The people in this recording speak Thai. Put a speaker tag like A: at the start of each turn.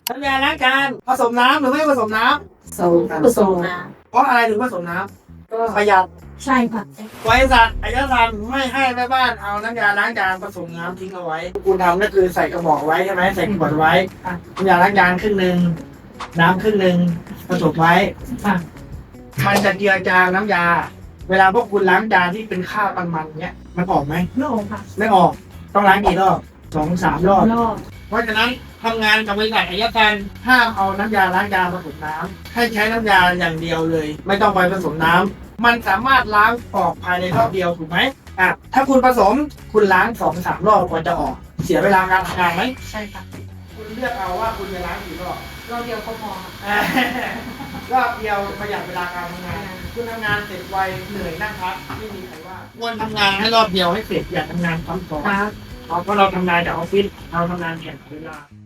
A: น้ำยาล้างจานผสมน้ำหรือไม่ผสมน้ำ
B: ผสมนะ
A: เพราะอะไรถึงผสมน้
B: ก็
A: ำประหยัด
B: ใช่ค่ะ
A: บริษัทอายการไม่ให้แม่บ้านเอาน้ำยาล้างจานผสมน้ำทิ้งเอาไว้คุณทำก็คือใส่กระบอกไว้ใช่ไหมใส่ขวดไว้น้ำยาล้างจานครึ่งหนึ่งน้ำครึ่งหนึ่งผสมไว้
B: ค่ะ
A: มันจะเจือจางน้ำยา เวลาพวกคุณล้างจานที่เป็นข้าวมันๆเนี้ยมันออกไหม
B: ไม่ออกค่ะ
A: ไม่ออกต้องล้างกี่รอบ2-3 รอบ
B: รอบ
A: เพราะฉะนั้นทำงานกับบริษัทอายการห้ามเอาน้ำยาล้างจานผสมน้ำให้ใช้น้ำยาอย่างเดียวเลย ไม่ต้องไปผสมน้ำมันสามารถล้างออกภายในรอบเดียวถูกไหมถ้าคุณผสมคุณล้าง2-3 รอบกว่าจะออก เสียเวลาการทำงานไหม
B: ใช่ค่ะ
A: คุณเลือกเอาว่าคุณจะล้างกี่รอบ
B: รอบเดียวก็พอค่ะ
A: รอบเดียวประหยัดเวลาการทำงาน คุณทำงานเสร็จไวเหนื่อยนั่งพักไม่มีใครว่าควรทำงานให้รอบเดียวให้เสร็จอย่าทำงานซ้ำซ้อน
B: ครับ
A: เพราะเราทำงานจากออฟฟิศเราทำงานแข่งเวลา